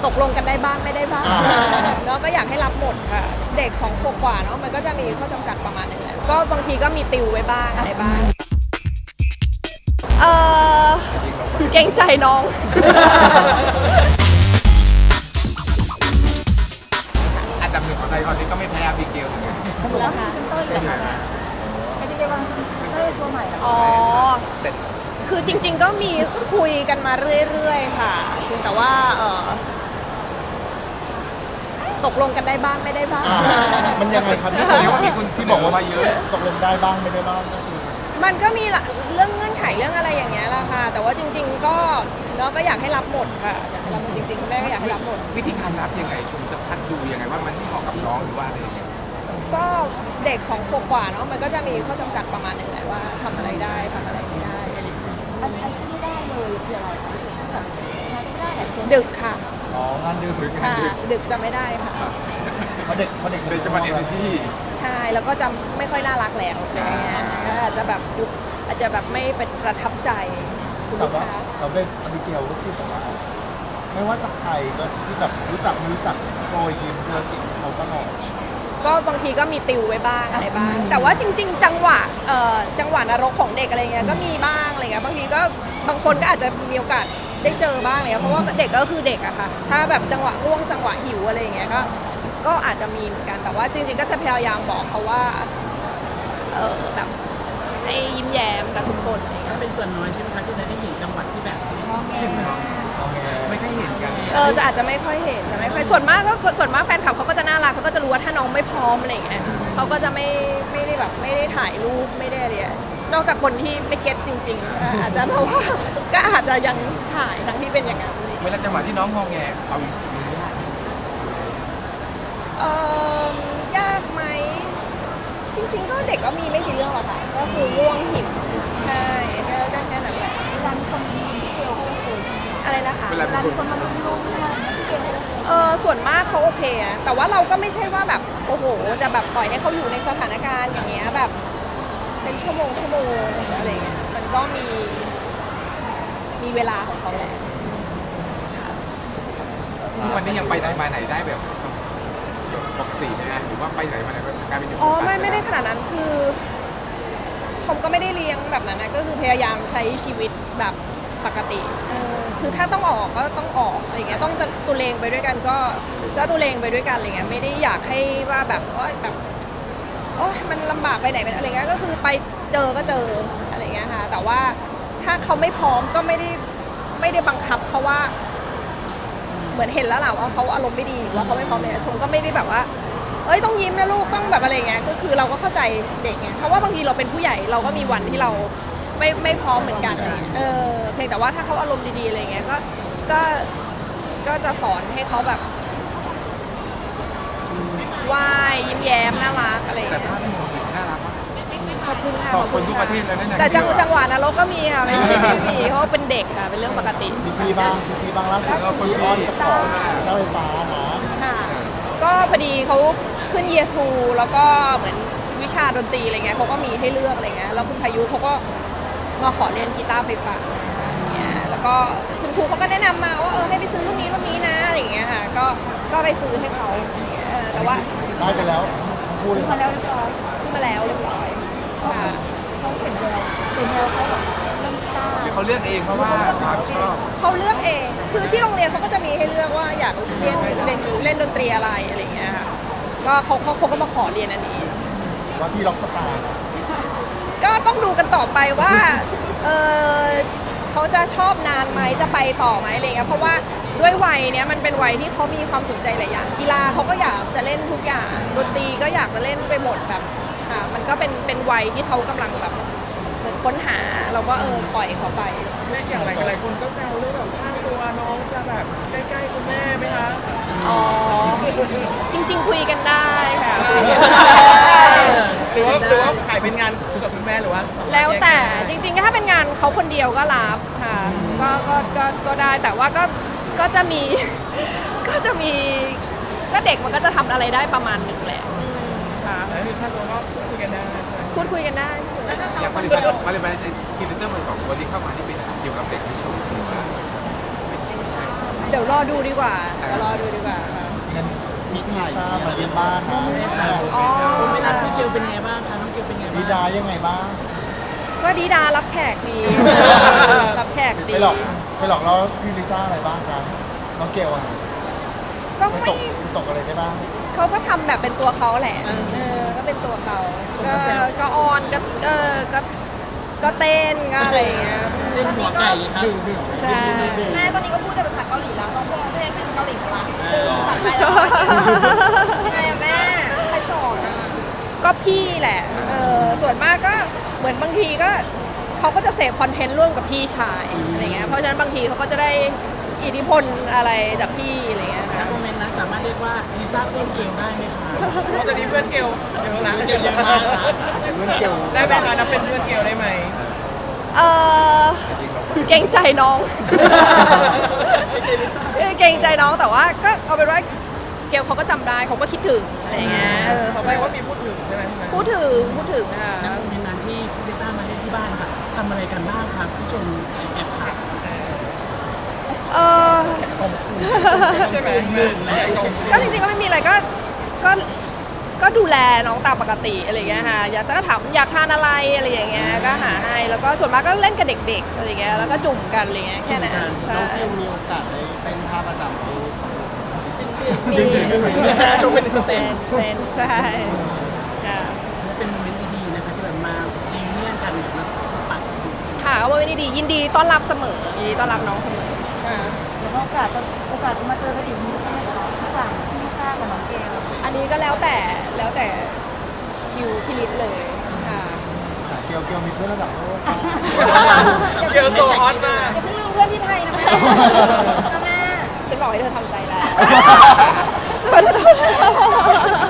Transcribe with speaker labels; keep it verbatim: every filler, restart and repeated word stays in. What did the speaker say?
Speaker 1: ตกลงกันได้บ้างไม่ได้บ้างแล้วก็อยากให้รับหมดค่ะเด็กสองขวบกว่าเนาะมันก็จะมีข้อจำกัดประมาณนึงแหละก็บางทีก็มีติวไว้บ้างอะไรบ้างเออเกรงใจน้อง
Speaker 2: อันดับหนึ่งของไทยตอนนี้ก็ไม่แพ้อาบิเกลเหมือนกัน
Speaker 1: แล้วค่ะ
Speaker 2: เป็นไงบ้าง
Speaker 1: อ๋อคือจริงๆก็มีคุยกันมาเรื่อยๆค่ะเพียงแต่ว่าเออตกลงกันได้บ้างไม่ได้บ้าง
Speaker 3: อ่ามันยังไงครับ
Speaker 2: นี่แสดงว่ามีคนที่บอกว่ามาเยอะ
Speaker 3: ตกลงได้บ้างไม่ได้บ้างก็คือ
Speaker 1: มันก็มีเรื่องเงื่อนไขเรื่องอะไรอย่างเงี้ยแหละค่ะ แต่ว่าจริง ๆ ก็เนาะก็อยากให้รับหมดค่ะอยากให้รับหมดจริงๆคุณแม่ก็อยากให้รับหมด
Speaker 2: วิธีการรับยังไงคุณจะคัดดูยังไงว่ามันที่เหมาะกับน้องหรือว่าอะไรยังไง
Speaker 1: ก็เด็กสองขวบกว่าเนาะมันก็จะมีข้อจำกัดประมาณนึงแหละว่าทำอะไรได้ทำอะไรไม่ได้
Speaker 4: อันอันที่ได้เลยคืออะไรคะแบบงานที่ได้แต่คน
Speaker 1: ดึกค่ะ
Speaker 3: อ๋องานดึก
Speaker 1: ค่ะดึกจะไม่ได้ค่ะ
Speaker 3: เพราะเด็กเพราะเด็ก
Speaker 2: ในจังหวัดเอเนจี
Speaker 1: ใช่แล้วก็จะไม่ค่อยน่ารักแล้วอะไรเงี้ยก็อาจจะแบบดูอาจจะแบบไม่เป็นประทับใจคุณ
Speaker 3: แต่
Speaker 1: ลูก
Speaker 3: ว่า
Speaker 1: ค้า
Speaker 3: เราเป็นอบิเกลก็คือแบบว่าไม่ว่าจะใครก็ที่แบบรู้จักไม่รู้จักโปรยยิ้มเธอติดเขาตลอด
Speaker 1: ก็บางทีก็มีติวไว้บ้างอะไรบ้าง แต่ว่าจริง ๆ จังหวะเอ่อจังหวะนรกของเด็กอะไรเงี้ยก็มีบ้างอะไรเงี้ยบางทีก็บางคนก็อาจจะมีโอกาสได้เจอบ้างเลยเพราะว่าเด็กก็คือเด็กอะค่ะถ้าแบบจังหวะง่วงจังหวะหิวอะไรเงี้ยก็ก็อาจจะมีเหมือนกันแต่ว่าจริง ๆ ก็จะพยายามบอกเขาว่าเออแบบให้ยิ้มแย้มกับทุกคนอะไรเงี้ย
Speaker 5: เป็นส่วนน้อยใช่ไหมคะที่ได้เห็นจังหวัดที่แบบ
Speaker 4: มองแง่
Speaker 3: เอาไง
Speaker 2: ไม่ค่อยเห็นกัน
Speaker 1: เออจะอาจจะไม่ค่อยเห็นจะไม่ค่อยส่วนมากก็ส่วนมากแฟนคลับเขาก็จะน่ารักเขาก็จะรู้ว่าถ้าน้องไม่พร้อมอะไรอย่างเงี้ยเขาก็จะไม่ไม่ได้แบบไม่ได้ถ่ายรูปไม่ได้อะไรอะนอกจากคนที่ไม่เก็ตจริงๆอ่ะอาจจะเพราะว่าก็อาจจะยังถ่ายทั้งที่เป็นอย่างนั้น
Speaker 2: เวลาจังหวะที่น้องงอแงเอาดูยาก
Speaker 1: เออยากไหมจริง ๆ ก็เด็กก็มีไม่กี่เรื่องหรอกค่ะก็คือง่วงหิวใช่ก็ได้แค่นั้นแหละ
Speaker 4: เวลามีคนมาลุมที่เกลก็โอเคใช่ไหม
Speaker 1: อะไรนะคะ
Speaker 2: เวลา
Speaker 4: เวลามีคนมาลุมลุมอะไรอย่างเงี้ยที่เกลก็โอเค
Speaker 1: เออส่วนมากเขาโอเคนะแต่ว่าเราก็ไม่ใช่ว่าแบบโอ้โหจะแบบปล่อยให้เขาอยู่ในสถานการณ์อย่างเงี้ยแบบเป็นชั่วโมงชั่วโมงอะไรเงี้ยมันก็มีมีเวลาของเขาแหละ
Speaker 2: ทุกวันนี้ยังไปไหนมาไหนได้แบบปกติไหมฮะหรือว่าไปไหนมาไหนกลายเป็น
Speaker 1: อ๋อไม่ไม่ได้ขนาดนั้นคือ ชมก็ไม่ได้เลี้ยงแบบนั้นนะก็คือพยายามใช้ชีวิตแบบปกติเออคือถ้าต้องออกก็ต้องออกอะไรเงี้ยต้องตุเลงไปด้วยกันก็ก็ตุเลงไปด้วยกันอะไรเงี้ยไม่ได้อยากให้ว่าแบบโอ๊ยแบบโอ๊ยมันลำบากไปไหนเป็นอะไรเงี้ยก็คือไปเจอก็เจออะไรเงี้ยค่ะแต่ว่าถ้าเขาไม่พร้อมก็ไม่ได้ไม่ได้บังคับเขาว่า เหมือนเห็นแล้วแหละว่าเขาอารมณ์ไม่ดีหรือว่าเขาไม่พร้อมเนี่ยชมก็ไม่ได้แบบว่าเอ้ยต้องยิ้มนะลูกต้องแบบอะไรเงี้ยก็คือเราก็เข้าใจเด็กไงเพราะว่าบางทีเราเป็นผู้ใหญ่เราก็มีวันที่เราไม่ไม่พร้อมเหมือนกันอะไรเงี้ยเออเพียงแต่ว่าถ้าเขาอารมณ์ดีๆอะไรเงี้ยก็ก็ก็จะสอนให้เขาแบบไหว้ยิ้มแย้มน่ารักอะไร
Speaker 2: แต่
Speaker 1: เงี้ย
Speaker 2: ภาพที่มองเห็นน่ารักมาก
Speaker 1: ขอบคุณค่ะ
Speaker 2: ขอบคุณทุกประเทศเลยนะเนี่ย
Speaker 1: แต่จังจังหวะนรกก็มีค่ะไม่ใช่ไม่มีเพราะว่าเป็นเด็กค่ะเป็นเรื่องปกติ
Speaker 3: พี่พี่บ้างพี่พี่บ้างล่าสุดพี่ออนสปอร์ตเจ้าไฟฟ้านะ
Speaker 1: ค่ะก็พอดีเขาขึ้น year two แล้วก็เหมือนวิชาดนตรีอะไรเงี้ยเขาก็มีให้เลือกอะไรเงี้ยแล้วคุณพายุเขาก็มาขอเรียนกีตาร์ไฟฟ้าอย่างเงี้ยแล้วก็คุณครูเขาก็แนะนำมาว่าเออให้ไปซื้อรุ่นนี้รุ่นนี้นะอะไรอย่างเงี้ยค่ะก็ก็ไปซื้อให้เขาอย่างเงี้ยเออแต่ว่า
Speaker 3: ได้ไปแล้วทั้งคู่เลย
Speaker 4: มาแล้วเรียบร้อย
Speaker 1: ซื้อมาแล้วเรียบร้อยค่ะ
Speaker 4: เขาเห็นแววเห็นแววเขาแบบเริ่มกล้า
Speaker 2: หรือเขาเลือกเองเพราะว่าความชอบ
Speaker 1: เขาเลือกเองคือที่โรงเรียนเขาก็จะมีให้เลือกว่าอยากเรียนเล่นเล่นดนตรีอะไรอะไรอย่างเงี้ยค่ะก็เขาเขาเขาก็มาขอเรียนอันนี้
Speaker 3: ว่าพี่ล็อกสตาร์
Speaker 1: ก็ต้องดูกันต่อไปว่าเออเขาจะชอบนานไหมจะไปต่อไหมอะไรเงี้ยเพราะว่าด้วยวัยเนี้ยมันเป็นวัยที่เขามีความสนใจหลายอย่างกีฬาเขาก็อยากจะเล่นทุกอย่างดนตรีก็อยากจะเล่นไปหมดแบบอ่ามันก็เป็นเป็นวัยที่เขากำลังแบบเหมือนค้นหาเราก็เออปล่อยเขาไป
Speaker 5: แม่อย่างไรกันหลายคนก็แซวเรื่องแบบค่าตัวน้องจะแบบใกล้ๆคุณแม่ไหมคะ
Speaker 1: อ๋อจริง ๆ คุยกันได้ค่ะ
Speaker 5: หรือว่าหรือว่าขายเป็นงานคู่กับคุณแม่หรือว่า
Speaker 1: แล้วแต่จริงๆถ้าเป็นงานเขาคนเดียวก็รับค่ะก็ก็ก็ก็ได้แต่ว่าก็ก็จะมี ก็จะมีก็เด็กมันก็จะทำอะไรได้ประมาณหนึ่งแหละอืมค่ะ
Speaker 5: แล้วมีค่าตัวก็คุยกันได้ใช่ไหม
Speaker 1: พูดคุยกันได้พูดคุยกันได้
Speaker 2: อย่างผลิตภัณฑ์ผลิตภัณฑ์พรีเซนเตอร์มันสองตัวที่เข้ามาที่เป็นเกี่ยวกับเด็กที่ถูกหรือว่า
Speaker 4: ไ
Speaker 1: เดี๋ยวรอดูดีกว่าเดี๋ยวรอดูดีกว่าค่ะ
Speaker 3: งั้นมีที่ซ่ามาเยี่ยมบ้านนะ
Speaker 1: อ๋อ
Speaker 5: เวลาพี่เกลเป็นไงบ้างคะน้องเกลเป็นไงบ้าง
Speaker 3: ดีดายังไงบ้าง
Speaker 1: ก็ดีดารับแขกดี รับแขกดี
Speaker 3: ไปหลอกไปหลอกล้อพี่ลิซ่าอะไรบ้างครับน้องเกลอ่ะ
Speaker 1: ก็
Speaker 3: ไม่
Speaker 1: ไม่
Speaker 3: ตกตกอะไรได้บ้าง
Speaker 1: เขาก็ทำแบบเป็นตัวเขาแหละเออก็เป็นตัวเขาก็ก็ออนก็เออก็ก็เต้นก็อะไรอย่างเงี้ย
Speaker 5: เล่นหัวไก่ครับ
Speaker 3: ดื่มดื่ม
Speaker 1: ใช่
Speaker 4: แม่ตอนนี้ก็พูดแต่ภาษาเกาหลีแล้วน้องพงษ์เพลงเป็นเกาหลีหมดละสั่งไปแล้วยังไงอะแม่ใครสอนอะ
Speaker 1: ก็พี่แหละเออส่วนมากก็เหมือนบางทีก็เขาก็จะเสพคอนเทนต์ร่วมกับพี่ชายอะไรเงี้ยเพราะฉะนั้นบางทีเขาก็จะได้อิทธิพลอะไรจากพี่อะไรเงี้ย
Speaker 5: ณ
Speaker 1: ค่ะ
Speaker 5: โมเมนต์นั้นสามารถเรียกว่าลิซ่าเต้นเกลได้ไหมคะ
Speaker 6: เพราะตอนนี้เพื่อนเกลเยอะละ
Speaker 5: เกลเยอะมากนะ
Speaker 3: เพื่อนเกล
Speaker 6: ได้ไหมคะนับเป็นเพื่อนเกลได้ไหม
Speaker 1: เออเกรงใจน้อง เกรงใจน้องแต่ว่าก็เอาเป็นว่าเกลเขาก็จำได้เขาก็คิดถึงอะไรเงี้ยเออเขา
Speaker 6: แส
Speaker 1: ก็
Speaker 6: ดงว่ามีพูดถึงใช่ไหมพี่แม่
Speaker 1: พูดถึงพูดถึงค่ะ
Speaker 5: ณโมเมนต์นั้นที่พี่ลิซ่ามาเล่นที่บ้านค่ะทำอะไรกันบ้างครับพี่ชมแอบถ่าย
Speaker 1: เออ
Speaker 6: ใช่ไหม
Speaker 5: หนึ่งและ
Speaker 1: ก็จริงๆก็ไม่มีอะไรก็ก็ก็ดูแลน้องตามปกติอะไรอย่างเงี้ยค่ะอยากก็ถามอยากทานอะไรอะไรอย่างเงี้ยก็หาให้แล้วก็ส่วนมากก็เล่นกับเด็กๆอะไรอย่างเงี้ยแล้วก็จุ่มกันอะไรเงี้ยแค่นั้นใช่
Speaker 3: น้องเกลมีโอกาสได้เต้นท่าประจำดู
Speaker 1: มี
Speaker 5: ชมเป็นสเต
Speaker 1: เป็น
Speaker 5: น
Speaker 1: เป็นใช่ค่ะ
Speaker 5: และเป็นโมเมนต์ดีๆนะคะที่แบบมาดีเนียนกันแบบมาปัด
Speaker 1: ค่ะว่าไม่ได้ดียินดีต้อนรับเสมอยินดีต้อนรับน้องเสมอค่ะ
Speaker 4: เดี๋ยวโอกาสจะโอกาสจะมาเจอกันอีกนี้ใช่ไหมคะระหว่างพี่ลิซ่ากับน้องเกล
Speaker 1: อันนี้ก็แล้วแต่แล้วแต่คิวพิลิตเลยค่ะ
Speaker 3: เกลเกลมีเพื่อนระดับโลก
Speaker 6: เกลโซฮอตมาก
Speaker 4: อย่าเพิ่งลืมเพื่อนที่ไทยนะแม่นะแม่
Speaker 1: ฉันบอกให้เธอทำใจแล้ว ฉันบอกให้เธอทำใจแล้ว